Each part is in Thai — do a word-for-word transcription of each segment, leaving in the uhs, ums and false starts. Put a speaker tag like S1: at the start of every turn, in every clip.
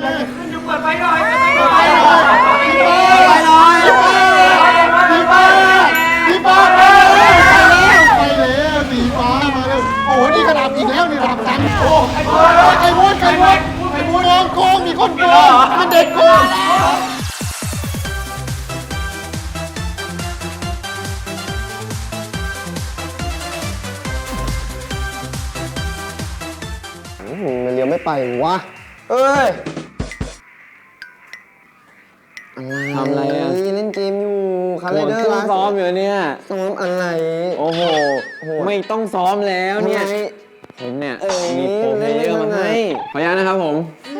S1: จะเปิดไฟหน่อยเปิดไฟหน่อย
S2: ไปหน่อยสีฟ้าสีฟ้าไปแล้วไปแล้วสีฟ้ามาแล้วโอ้โหนี่กระดับอีกแล้วนี่ระดับจังโอ้ไอ้บอลไอ้บอลไอ้บอลไอ้บอลโกงมีคนโกงมันเด็กโกงมันเลี้ยวไม่ไปวะเอ้ย
S3: ทำอะไรอ่ะ
S2: เล่นเกมอยู่คาร์เรเดอร์
S3: ซ้อมอยู่เนี่ย
S2: ซ้อมอะไร
S3: โอ้โหไม่ต้องซ้อมแล้วเนี่ยผมเนี่ยมีโปรเพลเยอร์มาให้ขออนุญาตนะครับผม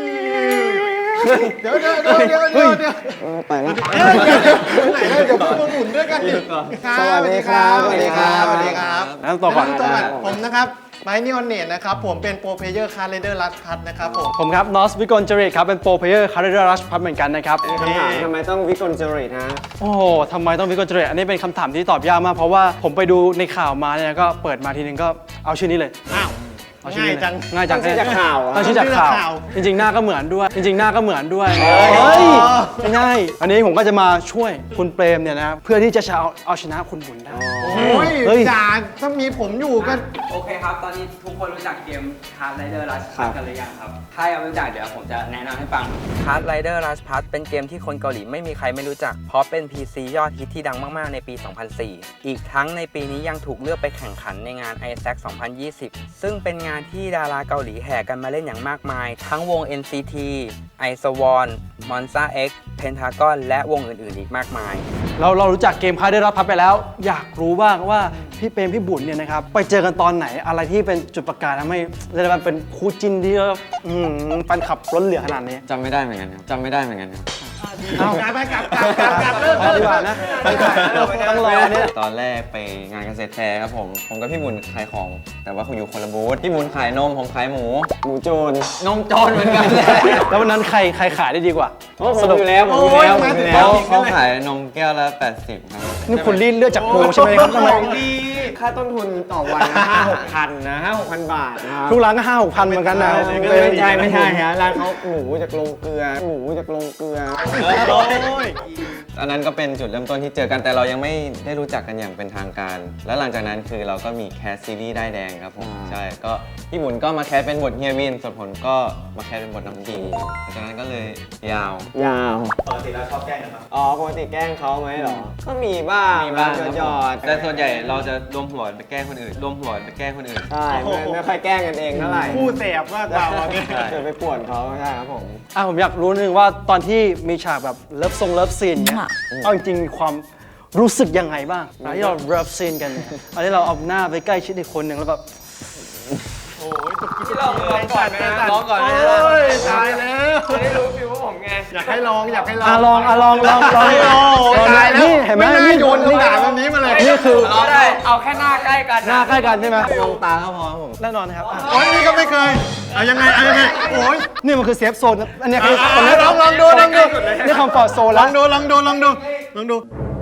S2: เดี๋ยวเดี๋ยวเดี๋ยวเดี๋ยวเดี๋ยวเดี๋ยวไปแล้วไหนเลยเดี๋ยวพูดหมุนด้วยกันดิ
S3: สวัสดีครับ
S2: สวัสดีครับสวัสดีครับ
S3: น้ำตัวก่อน
S2: ผมนะครับไมค์นิออนเนตนะครับผมเป็นโปรเพลเยอร์คาร์เรเดอร์รัชพัทนะครับผม
S4: ผมครับนอสวิกลจริตครับเป็นโปรเพลเยอร์คาร์เรเดอร์รัชพัทเหมือนกันนะครับ
S3: คำถามทำไมต้องวิกลจริตฮะ
S4: โอ้โหทำไมต้องวิกลจริตอันนี้เป็นคำถามที่ตอบยากมากเพราะว่าผมไปดูในข่าวมาเนี่ยก็เปิดมาทีนึงก็เอาชื่อนี้เลย
S2: อ้าวง่ายจัง
S4: ง่ายจัง
S3: ชื่อจากข่าว
S4: ตั้งชื่อจากข่าวจริงๆหน้าก็เหมือนด้วยจริงๆหน้าก็เหมือนด้วยเฮ้ยไม่ง่ายอันนี้ผมก็จะมาช่วยคุณเปรมเนี่ยนะเพื่อที่จะเอาเอาชนะคุณบุญได้
S2: โอ้ยจ่าถ้ามีผมอยู่ก็
S1: โอเคครับตอนนี้ทุกคนรู้จักเกม Card Rider Rush Pass กันหรือยังครับถ้ายังไม่รู้จักเดี๋ยวผมจะแนะนำให้ฟัง Card Rider Rush Pass เป็นเกมที่คนเกาหลีไม่มีใครไม่รู้จักเพราะเป็น พี ซี ยอดฮิตที่ดังมากๆในปี สองพันสี่ อีกทั้งในปีนี้ยังถูกเลือกไปแข่งขันในงาน ไอ แซค สองพันยี่สิบ ซึ่งเป็นงานที่ดาราเกาหลีแห่กันมาเล่นอย่างมากมายทั้งวง เอ็น ซี ที ไอ เอส วอน Monsta X Pentagon และวงอื่นๆอีกมากมาย
S4: เราเรารู้จักเกมคาร์เดอร์รัชพัทไปแล้วอยากรู้บ้างว่าพี่เปรมพี่บุญเนี่ยนะครับไปเจอกันตอนไหนอะไรที่เป็นจุดประกายทำให้เรียกว่าเป็นคู่จิ้นที่แฟนคลับล้นเหลือขนาดนี้
S3: จำไม่ได้เหมือนกันครับจำไม่ได้เหมือนกันครับ
S2: เอากลับไปกลับกลับกลับกลับเริ่ม
S4: ดีกว่านะต้องรอเนี่ย
S3: ตอนแรกไปงานเกษตรแฟร์ครับผมผมกับพี่บุญขายของแต่ว่าคุณอยู่คนละบูธพี่บุญขายนมผมขายหมูหมูโจรนมโจรเหมือนกัน
S4: แล้ววันนั้นใครใครขายได้ดีกว่า
S3: สนุกแล้วผมอยู่แล้วผมอยู่แล้วเขาขายนมแก้วละแปดสิบครับ
S4: นี่คุณรีดเลือดจากโปใช่ไหมครับทำไม
S3: ค่าต้นทุนต่อวันห้าหกพันนะห้าหกพันบาทนะครับ
S4: ทุกร้านก็ห้าหกพันเหมือนกันนะ
S3: ไม่ใช่ไม่ใช่ฮะร้านเขาหมูจากโรงเกลือหมูจากโรงเกลืออันนั้นก็เป็นจุดเริ่มต้นที่เจอกันแต่เรายังไม่ได้รู้จักกันอย่างเป็นทางการแล้วหลังจากนั้นคือเราก็มีแคสซีรีส์ได้แดงครับผมใช่ก็พี่บุญก็มาแคสเป็นบทเฮียวินส่วนผมก็มาแคสเป็นบทน้ำจีหลังจากนั้นก็เลยยาวยาว
S2: ปกติเราชอบแกล้งกันไหม
S3: อ๋อปกติแกล้งเขาไหมหรอก็มีบ้างมีบ้างหยอดแต่ส่วนใหญ่เราจะรวมหัวไปแกล้งคนอื่นรวมหัวไปแกล้งคนอื่นใช่ไม่ค่อยแกล้งกันเองเท่าไหร่
S2: คู่เสพมากกว่า
S3: จะไปป่วนเขาใช่ครับผม
S4: อ่ะผมอยากรู้นึงว่าตอนที่มีฉากแบบเลิฟทรงเลิฟซีนเนี่ยเอาจริงๆมีความรู้สึกยังไงบ้างตอนที่เราเลิฟซีนกันเนี่ยตอนที่เราเอาหน้าไปใกล้ชิดอีกคนหนึ่งแล้วแบบ
S2: โอ้ยตกกี้เราลองก่อนไหมลองก่อนไหมโอ้ยตายแล้ว
S1: จะได้รู้ฟิลว่าผมไง
S2: อยากให้ลองอยากให้ลอง
S4: อ่ะลองอ่ะลองลองลอง
S2: ตายแล้ว
S4: นี่เห็นไหม
S2: นี่โยนคำถามแบบนี้มาเลย
S4: นี่คือ
S1: ได้เอาแค่หน้าใกล้กัน
S4: หน้าใกล้กันใช่ไหม
S3: มองตาก็พอผม
S4: แน่นอนนะครับ
S2: โอ้ยนี่ก็ไม่เคยเอายังไงเอายังไงโอ้ย
S4: นี่มันคือเซฟโซนอันนี้คือ
S2: ลองลองดูลองดู
S4: นี่คอมฟอร์ตโซนแล้ว
S2: ลองดูลองดูลองดูลองดู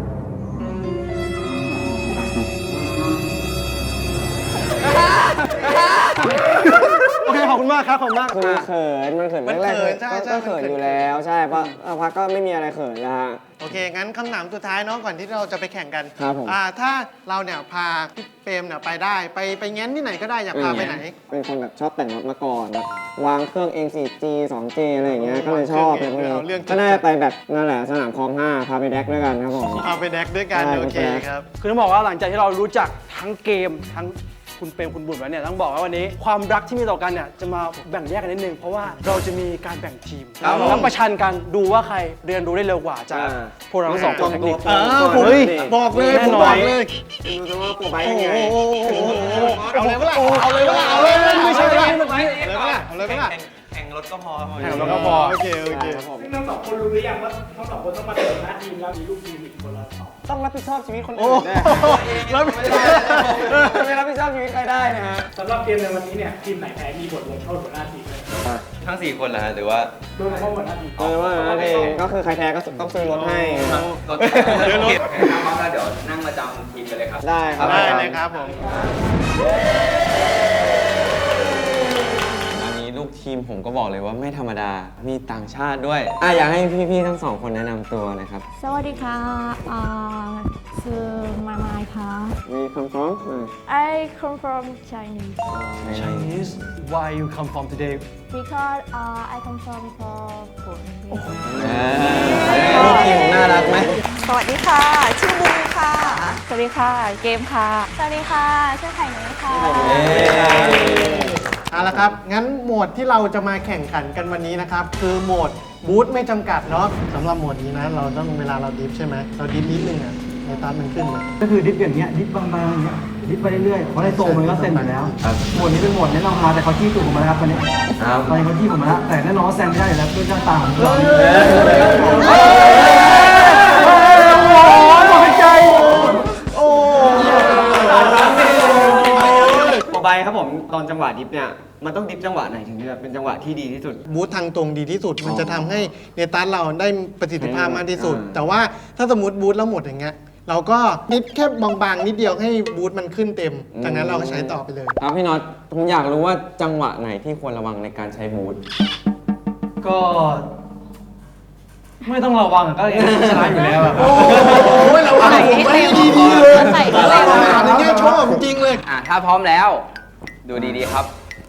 S4: โอเคขอบคุณมากครับขอบคุณมาก
S3: คือเขินมันเขินแรกๆก็เขินอยู่แล้วใช่เพราะพักก็ไม่มีอะไรเขินนะฮะ
S2: โอเคงั้นคำถามสุดท้ายน้องก่อนที่เราจะไปแข่งกัน
S3: ครับผม
S2: อ่าถ้าเราเนี่ยพาพี่เปรมเนี่ยไปได้ไปไปแง้นที่ไหนก็ได้อยากพาไปไหน
S3: เป็นคนแบบชอบแต่งรถมาก่อนแบบวางเครื่องเอง โฟร์จี ทูจี อะไรอย่างเงี้ยก็เลยชอบเลยพวกนี้ก็น่าจะไปแบบนั่นแหละสนามคลองห้าพาไปแดกด้วยกันครับผม
S2: พาไปแดกด้วยกันโอเคครับ
S4: คือต้องบอกว่าหลังจากที่เรารู้จักทั้งเกมทั้งคุณเปรมคุณบุญแล้วเนี่ยต้องบอกว่าวันนี้ความรักที่มีต่อกันเนี่ยจะมาแบ่งแยกกันนิดนึงเพราะว่าเราจะมีการแบ่งทีมแล้วประชันกันดูว่าใครเรียนรู้ได้เร็วกว่าจากพวกเราทั้งสองคนเทคนิค
S2: เฮ้ยบอกเลยผมบอกเลย
S3: ดูว่าตัวใบยังไง
S2: เอาเลยเปล่าเอาเลยเปล่าเอาเลยไม่ใช่เลยเอาเลยเปล่าเอาเลยเปล่า
S1: แข่งรถก็พอ
S2: แข่งรถก็พอโอเคโอเค
S5: ทั้งสองคนรู้หรือยังว่าทั้งสองคนต้องมาเดินหน้าทีมแล้วมีลูกทีมอีกคนละสอง
S3: ต้องรับผิดชอบชีวิตคนอื่นได้
S2: รับผิดชอบ
S3: ไม่รับผิดชอบชีวิตใครได้นะฮะ
S5: สำหรับเกมในวันนี้เนี่ยทีมไหนแพ้มีบทลงโทษหัวหน้าทีมเลย
S3: ทั้งสี่คนเหรอหรือว่า
S5: โดยเฉพาะหัวหน้าทีม
S3: เออว่าก็คือใครแพ้ก็ต้องซื้อรถให้
S1: รถเดี๋ยวเดี๋ยวนั่งมาจำทีมกันเลยครับ
S3: ได้ครับ
S2: ได้เลยครับผม
S3: อันนี้ลูกทีมผมก็บอกเลยว่าไม่ธรรมดา มีต่างชาติด้วยอ่ะอยากให้พี่ๆทั้งสองคนแนะนำตัวหนะครับ
S6: สวัสดีค่ะอ่าชื่อมายมายค่ะ
S3: มีคำฟ้อง
S6: I come from Chinese
S4: Chinese why you come from today
S6: because uh, I come from Philippines
S3: ลูกทีมผมน่ารักไหม
S7: สวัสดีค่ะ ชื่อบูมค่ะ
S6: สวัสดีค่ะ เกมค่ะ
S7: สวัสดีค่ะ ชื่อไข่นุ้ยค่ะ
S2: เอาละครับ งั้นโหมดที่เราจะมาแข่งขันกันวันนี้นะครับ คือโหมดบูทไม่จำกัดเนาะสำหรับโหมดนี้นะ เราต้องเวลาเราดิฟใช่ไหมเราดิฟนิดนึงอ่ะในตามันขึ้นเลย
S8: ก็คือดิฟอย่างเงี้ยดิฟบางๆอย่างเงี้ยดิฟไปเรื่อยๆเพราะในโซมันก็เต็มอยู่แล้วหมวดนี้เป็นหมวดแนะนำมาแต่เขาจี้ตูดผมมาแล้วครับวันนี้ตอนนี้เขาจี้ผมมาแล้วแต่แน่นอนว่าแซงไม่ได้อยู่แล้วด้วยหน้าตาของเรา
S3: ต่อไปครับผมตอนจังหวะดิฟเนี่ยมันต้องดิฟจังหวะไหนถึงจะเป็นจังหวะที่ดีที่สุด
S2: บูททางตรงดีที่สุด มันจะทำให้เนตัสเราได้ประสิทธิภาพมากที่สุด
S3: อ่า
S2: แต่ว่าถ้าสมมติบูทแล้วหมดอย่างเงี้ย เราก็ดิฟแค่บางๆ นิดเดียวให้บูทมันขึ้นเต็ม จากนั้นเราก็ใช้ต่อไปเลย
S3: ครับพี่น็อตผมอยากรู้ว่าจังหวะไหนที่ควรระวังในการใช้บูท
S8: ก็ไม่ต้องระวังอะก็ชนะอยู่แล้วอะ
S2: โอ้ยเราอ่านผมไม่ดีๆเลย
S6: ใส่
S2: เรา
S6: เต็ม
S2: อ่านในแง่ชอบจริงๆเลย
S1: อ่ะถ้าพร้อมแล้วดูดีๆครับ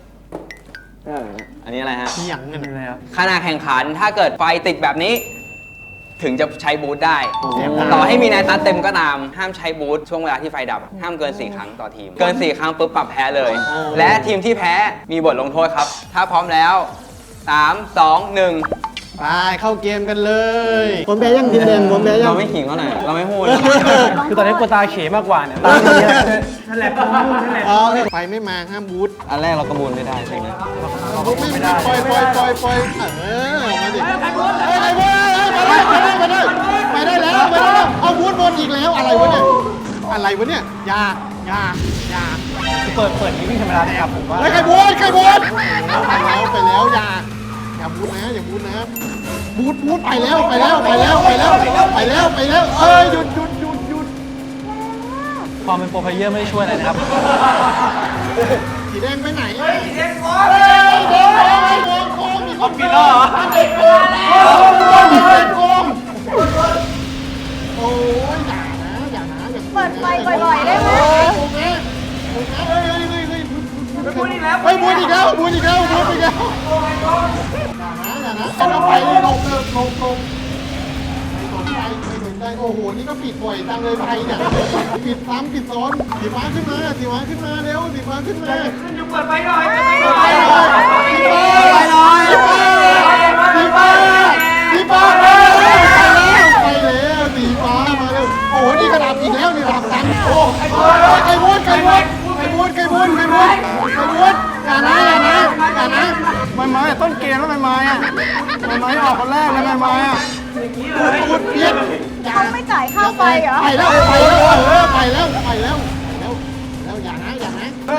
S3: อันนี้อะไรฮะ
S2: มีอย่างเงี้ย
S8: นี่เลยครับ
S1: ขณะแข่งขันถ้าเกิดไฟติดแบบนี้ ถึงจะใช้บูทได้
S2: เสียบได้
S1: ต่อให้มีนายตัดเต็มก็ตาม ห้ามใช้บูทช่วงเวลาที่ไฟดับ ห้ามเกิน 4 ครั้งต่อทีม เกิน 4 ครั้งปุ๊บปรับแพ้เลย และทีมที่แพ้มีบทลงโทษครับ ถ้าพร้อมแล้ว สาม สอง หนึ่ง
S2: ไปเข้าเกมกันเลยผมแพ้ยังทีมแดงผมแพ้ยัง
S3: เราไม่ขิงเขาหน่อยเราไม่พูด
S4: คือตอนนี้กูตาเขมากกว่าเนี่ยตาเนี้ย
S5: นั่นแหละผมพูดนั่นแหละ
S2: อ๋อไฟไม่มาห้ามบูท
S3: อันแรกเรากระบูนไม่ได้ใช่ไหม
S2: ไม่ได้ปล่อยปล่อยปล่อยปล่อยเออมาดิไอ้บูทไอ้บูทไปได้ไปได้ไปได้ไปได้แล้วไปได้แล้วเอาบูทบนอีกแล้วอะไรวะเนี่ยอะไรวะเนี่ยยาอยาอยา
S4: เปิดเปิดนี้วิ่งธรรมดานะครับผมว่า
S2: ไอ้ไข่บูทไข่บูทไปแล้วไปแล้วอยาอย่าบูทนะอย่าบูทนะบูทบูทไปแล้วไปแล้วไปแล้วไปแล้วไปแล้วไปแล้วเอ้ยหยุดหยุดหยุดหยุด
S4: ความเป็นโปรเพลเยอร์ไม่ได้ช่วยอะไรนะครับ
S2: สีแดงไปไหนสีแดงโค้งแดงโค้งโค้งมีคนปิดแล้วเหรอเด็กโค้งแล้วเด็กโค้งโอ้ยอย่านะอย่านะอย่า
S6: เปิดไฟบ่อยๆได้ไหม
S2: โค้งนะโค้งนะเฮ้ยเฮ้ยเฮ้ยเฮ้ยไปบูนอีกแล้วไปบูนอีกแล้วบูนอีกแล้วบูนอีกแล้วอย่านะอย่านะเอาไปลงลงลงลงไม่สนใจไม่สนใจโอ้โหนี่ก็ปิดบ่อยจังเลยไทยเนี่ยปิดซ้ำปิดซ้อนสีฟ้าขึ้นมาสีฟ้าขึ้นมาเร็วสีฟ้าขึ้นมา
S5: เปิดไฟหน่อย
S2: ไปเลยสีฟ้าสีฟ้าไปแล้วไปแล้วสีฟ้ามาเร็วโอ้โหนี่กระดับอีกแล้วนี่ระดับตันโอ้ไก่วุ้นไก่วุ้นไก่วุ้นไก่วุ้นไก่วุ้นไก่วุ้นอย่านะอย่านะอย่านะไม่ไม้ต้นเกมแล้วไม่ไม้อะไม่ไม้ออกคนแรกแล้วไม่ไม้อะพูดเพี้ยน
S6: เขาไม่จ่ายค่าไฟเหรอ
S2: ไปแล้วไปแล้วเออไปแล้วไปแล้วแล้วแล้วอย่านะอย่านะเอ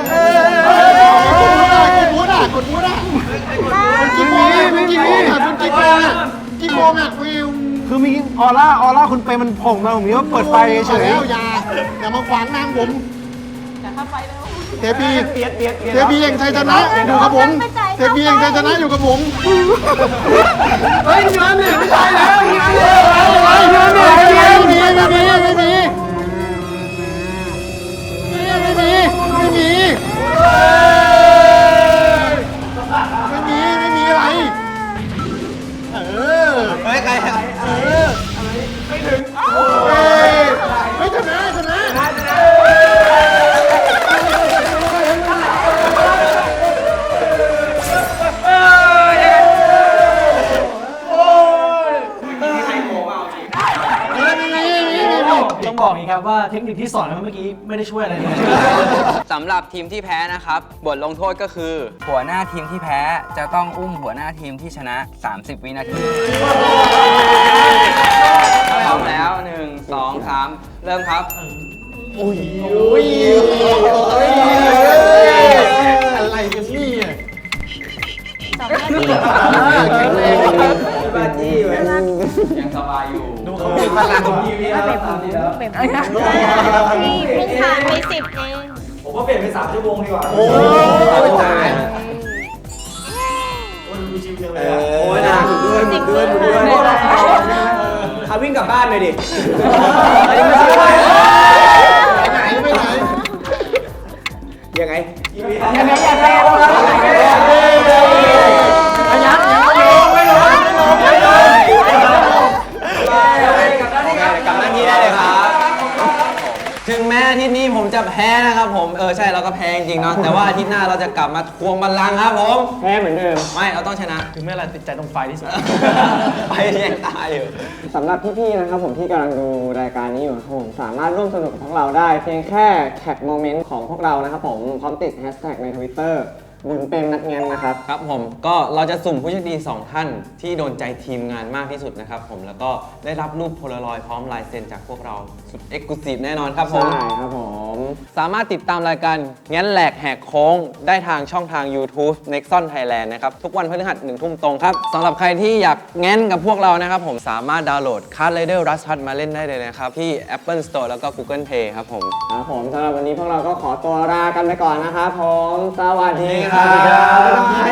S2: อกดบูธอ่ะกดบูธอ่ะกี่โมงอ่ะกี่โมงอ่ะคุณกี่โมงอ่ะกี่โมงอ่ะวิว
S8: คือมีออร่าออร่าคุณเปมันผ่องมาผมนี้ว่าเปิดไฟเฉย
S2: แล้วอย่าอย่ามาขวางนางผมเทพีเทพีเองชัยชนะอยู่กับผมเทพีเองชัยชนะอยู่กับผมเฮ้ยเงินเนี่ยไม่ใช่แล้วเงินเนี่ยไม่มีไม่มีไม่มีไม่มีไม่มีไม่มีไม่มีอะไรเออ
S3: เฮ้ยใคร
S2: เออไม่ถึงเอ้ยไม่ชนะชนะ
S8: ต้องบอกอย่างนี้ครับว่าเทคนิคที่สอนเมื่อกี้ไม่ได้ช่วยอะไรเลย
S1: สำหรับทีมที่แพ้นะครับ บทลงโทษก็คือ หัวหน้าทีมที่แพ้จะต้องอุ้มหัวหน้าทีมที่ชนะ สามสิบ วินาทีพร้อมแล้ว หนึ่ง สอง สาม เริ่มครับ
S2: โอ้ยโอ้ยโอ้ยอะไรกันนี่อ่ะ
S6: สองนาที
S2: แข็งแรงมาก
S1: ยังสบายอยู่
S2: ดูเขามีพลังของทีวีแล้ว
S6: เป็นนี่เพิ่งผ่านไปสิบเอง
S8: ผมว่าเปลี่ยนเป็นสามชั่วโมงดีกว่า
S2: โอ้ยตาย
S6: เ
S5: ดียวเล
S8: เอย
S5: อะ
S8: อโอ้ยนะหมุนด้วยหมุนด้วยหมุนด้วยเอาวิ่งกลับบ้านเลยดิอันนี้ไม่ใช่ไป
S2: ไปไหนไปไหน
S8: ยังไง
S4: ยังไงยังไงอันยักษ์ไม่ลงไม่ลงไม่ลงไม่ลง
S3: กลับหน้าที่ได้เลยครับ ถึงแม้อาทิตย์นี้ผมจะแพ้นะครับผม เออใช่เราก็แพ้จริงๆเนาะ แต่ว่าอาทิตย์หน้าเราจะกลับมาทวงบัลลังก์ครับผม
S8: แพ้เหมือนเดิม
S3: ไม่ เราต้องชนะ
S4: ถึงแม้อะไรติดใจตรงไฟที่สุด
S3: ไปแย่งตายอยู่
S8: สำหรับพี่ๆนะครับผมที่กำลังดูรายการนี้อยู่ครับผมสามารถร่วมสนุกกับพวกเราได้เพียงแค่แท็กโมเมนต์ของพวกเรานะครับผมพร้อมติดแฮชแท็กใน ทวิตเตอร์ บุญเป็นนักเงียนนะครับ
S3: ครับผมก็เราจะสุ่มผู้โชคดีสองท่านที่โดนใจทีมงานมากที่สุดนะครับผมแล้วก็ได้รับรูปโพลารอยด์พร้อมลายเซ็นจากพวกเราสุดเอ็กซ์คลูซีฟแน่นอนครับผม
S8: ใช่ครับผม
S3: สามารถติดตามรายการงั้นแหลกแหกโค้งได้ทางช่องทาง YouTube Nexon Thailand นะครับ ทุกวันพฤหัสหนึ่งทุ่มตรงครับสำหรับใครที่อยากแง้นกับพวกเรานะครับผมสามารถดาวน์โหลด Card Rider Rush Hut มาเล่นได้เลยนะครับ ที่ Apple Store แล้วก็ Google Play ครับผม
S8: ครับผมสำหรับวันนี้พวกเราก็ขอตัวลากันไปก่อนนะครับผม สวัสดีครั
S3: สวัสดีครับ บ
S8: บ๊ายบาย